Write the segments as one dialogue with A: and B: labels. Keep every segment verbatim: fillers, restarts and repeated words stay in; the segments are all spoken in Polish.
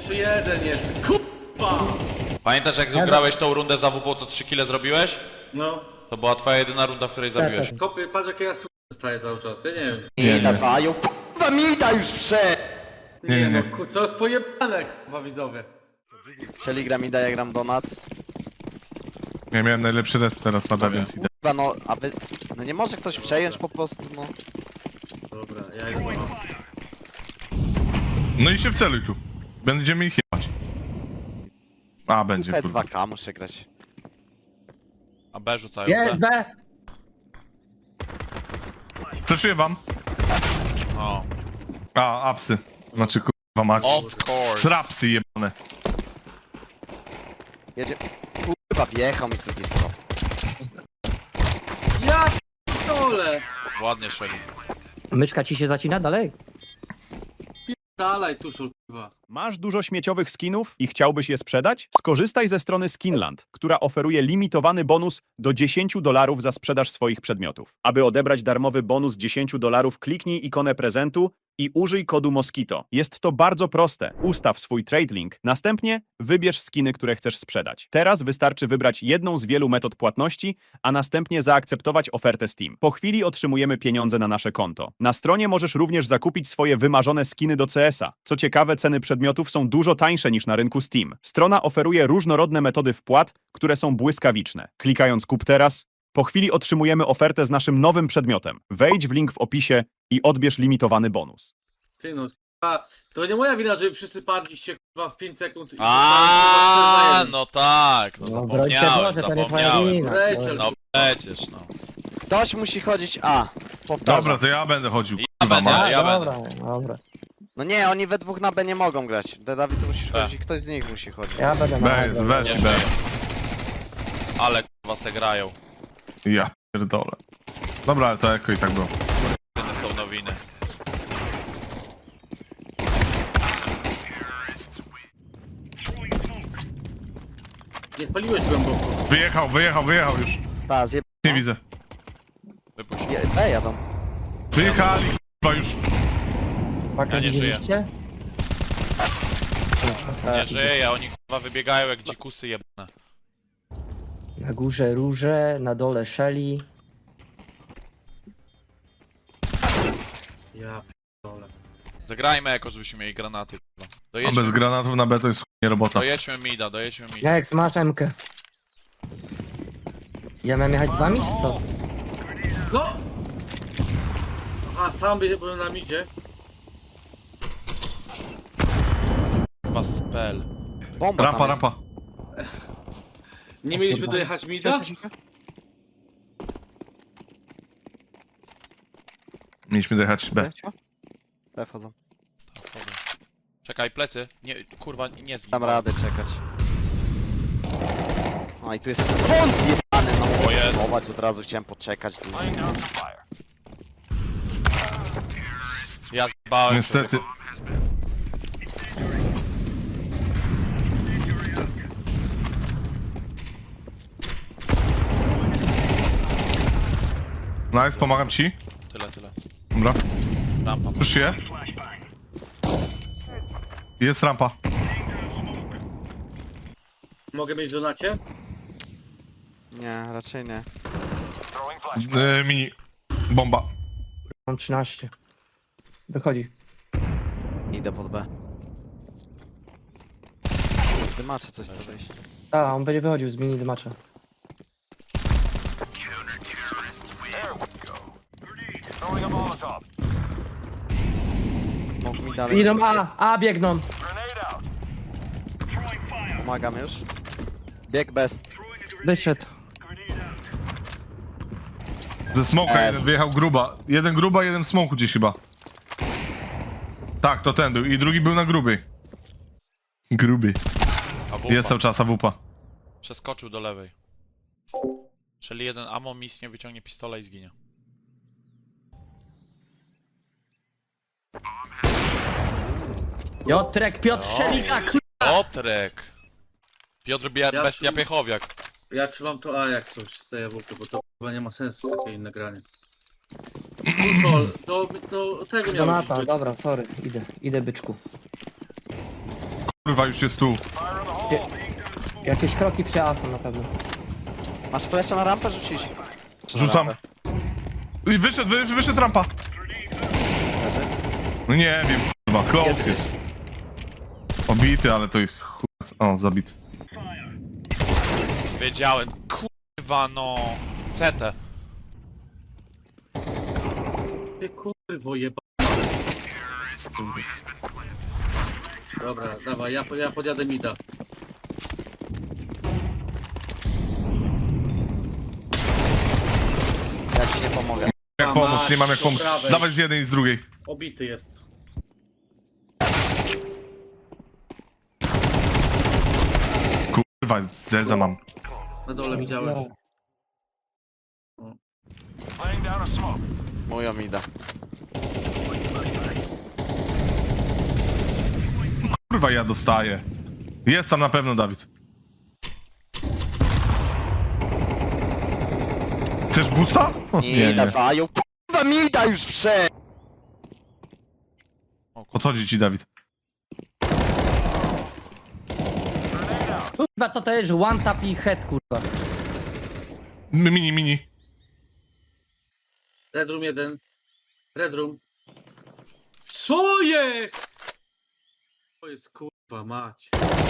A: Jeszcze jeden jest, kurwa!
B: Pamiętasz jak
C: Ja
B: grałeś tą rundę za W P, co trzy kile zrobiłeś?
A: No.
B: To była twoja jedyna runda, w której zabiłeś.
C: tak.
A: Kopie, patrz jak ja s*** dostaję cały czas, ja nie wiem.
D: Nie, Mida zajął, kurwa Mida już wszedł!
A: Nie,
E: nie,
A: no,
E: nie.
A: ku, co jest pojebane, kurwa widzowie.
D: Czyli gra Mida, ja gram Donat.
E: Ja miałem najlepszy resp teraz na więc idę.
D: Kurwa no, a wy... No nie może ktoś przejąć po prostu, no.
A: Dobra, ja idę. No.
E: No i się wceluj tu. Będziemy ich jebać. A, będzie,
D: P
E: kurwa.
D: dwa K muszę grać.
B: A B rzucają
C: Jest
B: B.
C: B!
E: Przeszuję wam.
B: O.
E: A, apsy. Znaczy, kurwa mać.
B: Of course.
E: Srapsy jebane.
D: Jedzie... Kurwa, wjechał mi z drugiej strony.
A: Ja p***ole!
B: Ładnie szeli.
C: Myszka ci się zacina dalej?
A: Dalej, tuszol, kurwa.
F: Masz dużo śmieciowych skinów i chciałbyś je sprzedać? Skorzystaj ze strony Skinland, która oferuje limitowany bonus do dziesięć dolarów za sprzedaż swoich przedmiotów. Aby odebrać darmowy bonus dziesięć dolarów, kliknij ikonę prezentu i użyj kodu Mosquito. Jest to bardzo proste. Ustaw swój trade link, następnie wybierz skiny, które chcesz sprzedać. Teraz wystarczy wybrać jedną z wielu metod płatności, a następnie zaakceptować ofertę Steam. Po chwili otrzymujemy pieniądze na nasze konto. Na stronie możesz również zakupić swoje wymarzone skiny do C S a. Co ciekawe, ceny przedmiotów są dużo tańsze niż na rynku Steam. Strona oferuje różnorodne metody wpłat, które są błyskawiczne. Klikając kup teraz, po chwili otrzymujemy ofertę z naszym nowym przedmiotem. Wejdź w link w opisie i odbierz limitowany bonus.
A: Ty no, kurwa, to nie moja wina, że wy wszyscy padliście, kurwa, w pięć sekund. i
B: A,
A: kurwa,
B: no tak, no
C: No broń się
B: zapomniałem,
C: Boże, to nie twoja
B: zapomniałem.
C: wina.
A: Rachel.
B: No przecież, no.
D: Ktoś musi chodzić A. Powtarzam.
E: Dobra, to ja będę chodził.
B: Ja
E: Kurwa
B: będę,
E: mać.
B: ja
C: dobra,
B: będę.
C: dobra.
D: No nie, oni we dwóch na B nie mogą grać. Ty, Dawid, ty musisz
B: B.
D: chodzić i ktoś z nich musi chodzić.
C: Ja będę na
E: Weź,
C: dobra.
E: weź,
B: Nie
E: weź.
B: żyję. Ale kurwa se grają.
E: Ja pierdolę. Dobra, ale to jako i tak było.
B: Tyle są nowiny.
A: Nie spaliłeś głęboko.
E: Wyjechał, wyjechał, wyjechał już.
D: Ta, zjeb...
E: Nie widzę.
B: Wypuść.
D: Je... B jadą.
E: Wyjechali, kurwa już.
C: Pakę
B: Ja nie żyję.
C: widzieliście?
B: Nie żyje, oni kurwa wybiegają jak dzikusy jebane.
C: Na górze róże, na dole szeli.
A: Ja p***ole.
B: Zagrajmy jako, żebyśmy mieli granaty. kurwa.
E: A
B: Dojedźmy,
E: bez granatów na B to jest nie robota.
B: dojedźmy mida, dojedźmy mida.
C: Jak masz M-kę? Ja miałem jechać z wami, czy co?
A: No! A sam by- byłem na midzie.
B: Kurwa spell.
D: Bomba
E: Rampa,
D: tam jest.
E: rampa.
A: Nie mieliśmy dojechać mida?
E: Mieliśmy dojechać B.
D: B, cio? B wchodzą.
B: Czekaj, plecy. Nie, kurwa, nie zgin.
D: Dam radę czekać. No i tu jest kąt zjebany, no.
B: O Jezu.
D: Chować od razu chciałem poczekać.
B: Ja zbałem.
E: Niestety. Nice, pomagam ci.
B: Tyle, tyle.
E: Dobra.
B: Rampa.
E: Już je. Jest rampa.
A: Mogę mieć w donacie?
D: Nie, raczej nie.
E: E, mini. Bomba.
C: Mam trzynaście. Wychodzi.
D: Idę pod B. Ty macie coś co wyjść.
C: A, on będzie wychodził z mini dymacza.
D: Mógł mi dalej.
C: Idą A, A biegną.
D: Pomagam już. Bieg bez.
C: Wyszedł.
E: Ze smoka
D: S.
E: jeden wyjechał gruba. Jeden gruba, jeden w smoku gdzieś chyba. Tak, to ten był. I drugi był na gruby. Gruby.
B: A wupa.
E: Jest cały czas A W P.
B: Przeskoczył do lewej. Czyli jeden ammo misnie wyciągnie pistola i zginie.
C: Jotrek, Piotr Szelika,
B: Piotrek! Piotr Bia
A: Ja
B: Bestia
A: czuł-
B: Piechowiak.
A: Ja trzymam to A jak coś z tej jabłki, bo to chyba nie ma sensu takie inne granie. Tuszol, do, do tego miał
C: Donata,
A: być.
C: dobra, sorry, idę, idę byczku.
E: kurwa, już jest tu.
C: Jakieś kroki przy A są na pewno.
D: Masz flesza na rampę rzucić? Czy na
E: Rzucam.
D: rampę?
E: I wyszedł, wy, wyszedł rampa.
D: Leży?
E: No nie wiem, kurwa, close
D: Jest,
E: jest. Obity, ale to jest chuj. O, zabity.
B: Wiedziałem. Kurwa no. C T.
A: Ty kurwo jeba. Dobra, dawaj, ja, ja podjadę mida.
D: Ja ci nie pomogę.
E: Jak
A: A,
E: pomóc, nie mam jak
A: masz,
E: pomóc.
A: po prawej.
E: Dawaj z jednej i z drugiej.
A: Obity jest.
E: Kurwa, zeza mam.
A: Na dole widziałeś.
C: No.
D: Moja mida.
E: Kurwa, ja dostaję. Jest tam na pewno, Dawid. Chcesz busta? O,
D: Mida zajął. Kurwa mida już wszedł!
E: Podchodzi ci, Dawid.
C: Kurwa, co to jest? One tap i head, kurwa.
E: M- Mini, mini.
A: Red room jeden. Red room. Co jest? To jest kurwa mać.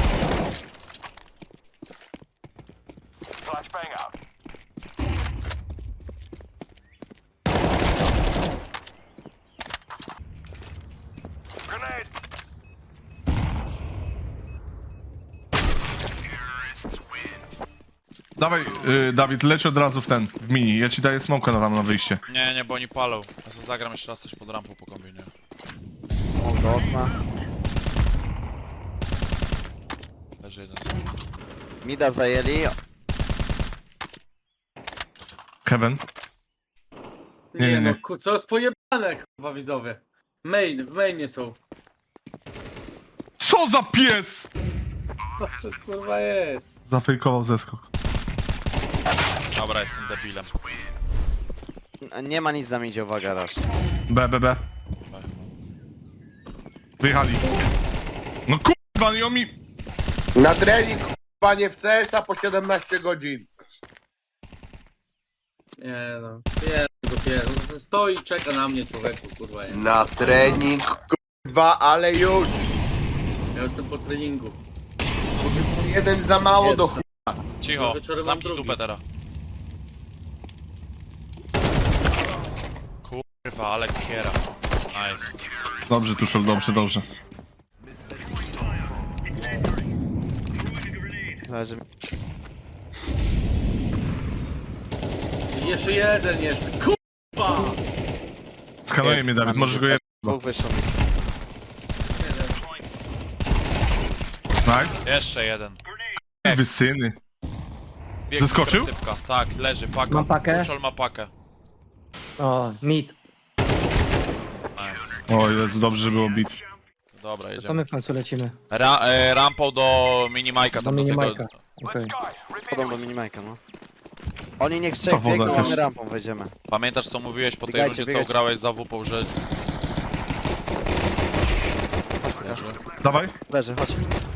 E: Dawaj, y, Dawid, leć od razu w ten, w mini. Ja ci daję smoka na tam na wyjście.
B: Nie, nie, bo oni palą. Ja sobie zagram jeszcze raz coś pod rampą po kombinie.
D: O, do okna.
B: Leży jeden.
D: Mida zajęli.
E: Kevin.
A: Nie,
E: Nie, nie,
A: no
E: nie.
A: ku, co jest pojebane kurwa widzowie. Main, w mainie są.
E: Co za pies!
A: Co to kurwa jest?
E: Zafejkował zeskok.
B: Dobra, jestem debilem.
D: Nie ma nic na midzie, uwaga, raz.
E: B, B, B. Wyjechali. No kurwa, nie mi...
G: Na trening, k***a, nie w C S a po siedemnaście godzin.
A: Nie no. Nie, go pies. No, stoi i czeka na mnie człowieku kurwa. Nie.
G: Na trening, k***a, ale już.
A: Ja jestem po treningu.
G: Jeden za mało
A: Jest.
G: do ch...
B: Cicho,
A: Wieczorem mam
B: zamknij
A: drugi.
B: dupę teraz. Kurwa, ale kiera. Nice.
E: Dobrze, Tuszol, dobrze, dobrze.
D: Leży.
A: I jeszcze jeden jest. Kurwa!
E: Skanuje
D: Jest,
E: mnie, Dawid,
D: na
E: możesz go
D: midzie.
E: je...
D: Dwóch wyszło.
E: Nice.
B: Jeszcze jeden.
E: Wy syny.
B: Biegnie
E: Zeskoczył?
B: krycypka. Tak, leży, paka.
C: Mam pakę.
B: Kuszol ma pakę.
C: O, mid.
B: Nice.
E: O Jezu, dobrze, że było bit.
B: Dobra,
C: To
B: jedziemy.
C: my w końcu lecimy.
B: Ra e, rampą do minimajka.
C: Do
B: tam
C: minimajka.
B: tego-
C: Okej.
D: Podą do minimajka, no. Oni niech
E: Ta
D: trzech
E: woda
D: biegną, a
E: też.
D: my rampą wejdziemy.
B: Pamiętasz co mówiłeś po tej
D: Biegajcie,
B: rundzie, co
D: biegajcie.
B: grałeś za W P, że... Leży.
E: Dawaj,
D: Leży, chodź.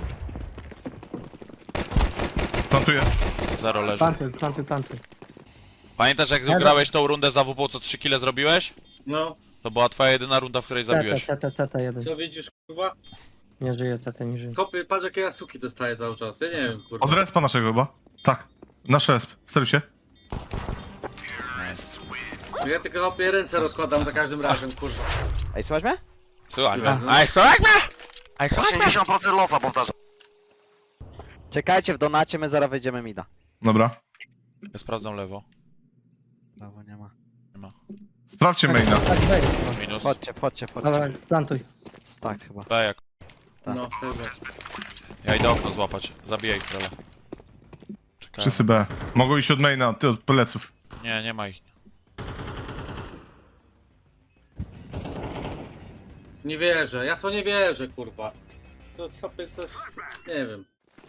E: plantuję.
B: Zero leży.
C: Plantuj, plantuj, plantuj.
B: Pamiętasz jak
C: Ale-
B: grałeś tą rundę za W P, co trzy kile zrobiłeś?
A: No,
B: To była twoja jedyna runda, w której
C: C T,
B: zabiłeś.
C: C T, C T jeden.
A: co widzisz kurwa?
C: Nie żyje, C T nie żyje.
A: Kopy, patrz jakie ja suki dostaję cały czas. Ja nie wiem kurwa.
E: Od respa naszego chyba. Tak. Nasz resp. Steruj się.
B: Nice.
A: Ja tylko kopie ręce rozkładam za każdym razem kurwa.
D: Ej, słuchaj mnie?
B: Słuchaj mnie.
A: Aha.
B: Ej, słuchaj mnie! Ej, słuchaj mnie!
D: osiemdziesiąt procent losa powtarzam. Czekajcie w donacie, my zaraz wejdziemy mida.
E: Dobra.
B: Ja sprawdzam lewo.
D: Brawo, nie ma.
B: Nie ma.
E: Sprawdźcie maina.
C: Tak, wejdź.
B: Minus.
D: Wchodźcie, wchodźcie,
C: Dobra,
D: wchodźcie.
C: plantuj.
D: Tak chyba.
B: B jak.
D: Tak.
A: No, tego.
B: Ja idę okno złapać. Zabiję ich trochę. Czekaj.
E: Wszyscy B. Mogą iść od maina, ty od pleców.
B: Nie, nie ma ich.
A: Nie wierzę, ja w to nie wierzę kurwa. To sobie coś, nie wiem.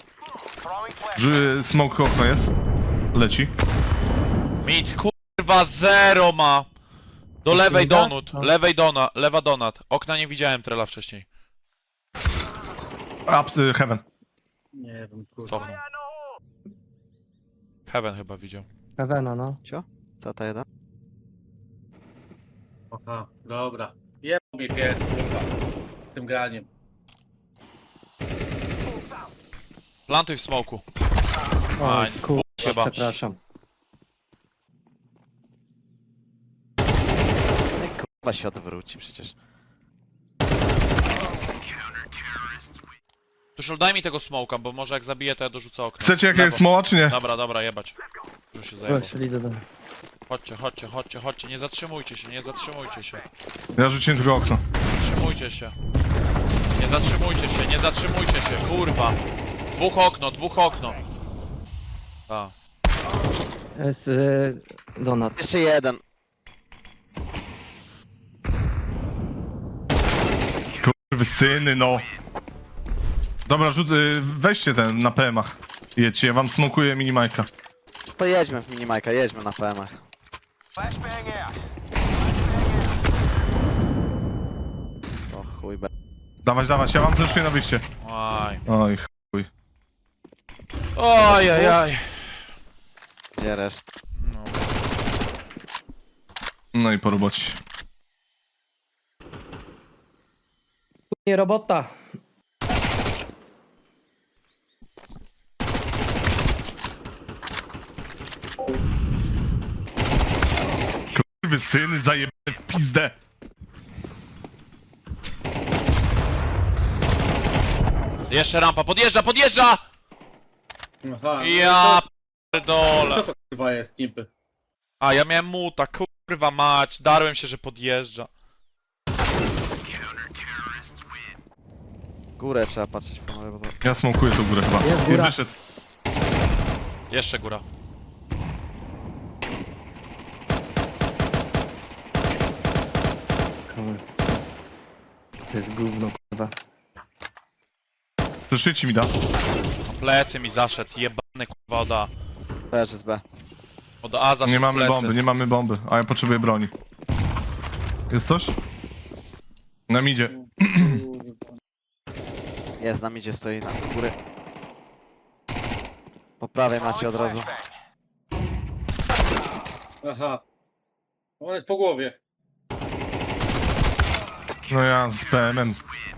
E: Że smoke okno jest. Leci.
B: Mid, kurwa, zero ma! Do lewej
C: mida?
B: donut,
C: No.
B: lewej dona, lewa donat. Okna nie widziałem trela wcześniej.
E: Ups, y, heaven.
A: Nie wiem, kurwa.
B: Cofnął. Heaven chyba widział.
C: Pewena, no.
D: Co to jeden?
A: Aha, dobra. Jebał mnie pies, kurwa. Tym graniem.
B: Plantuj w smoku.
C: Oj,
B: Aj,
C: kurwa,
B: chyba.
C: przepraszam.
D: No i kurwa się odwróci przecież.
B: Tuszol, daj mi tego smoka, bo może jak zabiję, to ja dorzucę okno.
E: Chcecie jakiegoś
B: Lewo.
E: smoła, czy nie?
B: Dobra, dobra, jebać. Już się zajebał.
C: Weź, idę do...
B: Chodźcie, chodźcie, chodźcie, chodźcie, nie zatrzymujcie się, nie zatrzymujcie się.
E: Ja rzuciłem tylko okno.
B: Zatrzymujcie się. Nie zatrzymujcie się, nie zatrzymujcie się, kurwa. Dwóch okno, dwóch okno. A.
C: Jest y, donat.
D: Jeszcze jeden.
E: Kurwy syny, no. Dobra, rzuc... y, weźcie ten na P M-ach. Jedźcie, ja wam smokuję minimajka.
D: To jedźmy w minimajka, jedźmy na P M-ach. To chuj be.
E: Dawać, dawać, ja wam fleszuję na wyjście.
B: Aj.
E: Oj, chuj.
B: Oj, aj, aj.
D: Gdzie reszt?
B: No.
E: No i po robocie.
C: Nie robota.
E: Kurwy syny, zajebane w pizdę.
B: Jeszcze rampa, podjeżdża, podjeżdża!
A: Aha, no
B: Ja
A: to
B: pierdolę.
A: jest- Co to kurwa jest, niby?
B: A, ja miałem muta, kurwa mać, darłem się, że podjeżdża.
D: Górę trzeba patrzeć panowie, bo to...
E: Ja smokuję tą górę chyba.
C: Jest
E: Nie
C: góra.
E: wyszedł.
B: Jeszcze góra.
C: Kurwa. To jest gówno, kurwa.
E: Fleszujcie mi da.
B: Na plecy mi zaszedł, jebany kurwa od A.
D: Też jest B.
B: Od A zaszedł
E: Nie mamy
B: plecy.
E: bomby, nie mamy bomby, a ja potrzebuję broni. Jest coś? Na midzie.
D: Jest, na midzie stoi na góry. Po prawej macie od razu.
A: Aha. On jest po głowie.
E: No ja z P M-em.